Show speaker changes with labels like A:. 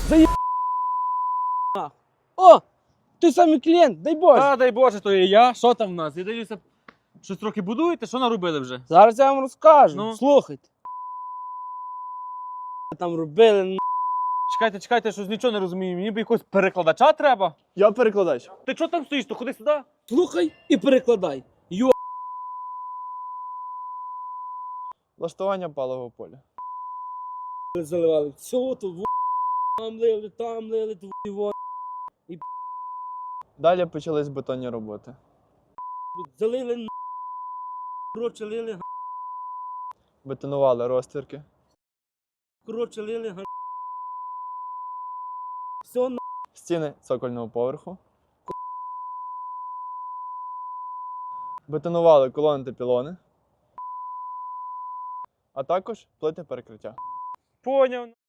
A: О! Той самий клієнт, дай Боже.
B: А, дай Боже, то і я. Що там в нас? Я дивлюся, щось трохи будуєте? Що наробили вже?
A: Зараз я вам розкажу.
B: Ну.
A: Слухайте. Там робили.
B: Чекайте, щось нічого не розумію. Мені б якогось перекладача треба.
C: Я перекладач.
B: Ти чого там стоїш? То ходи сюди.
A: Слухай і перекладай.
C: Влаштування палого поля.
A: Заливали. Все, то там лили, твої
C: Далі почались бетонні роботи.
A: залили, коротше, лили,
C: Бетонували розтвірки.
A: коротше, лили, все,
C: Стіни цокольного поверху. Бетонували колони та пілони. А також плити перекриття.
B: Поняв.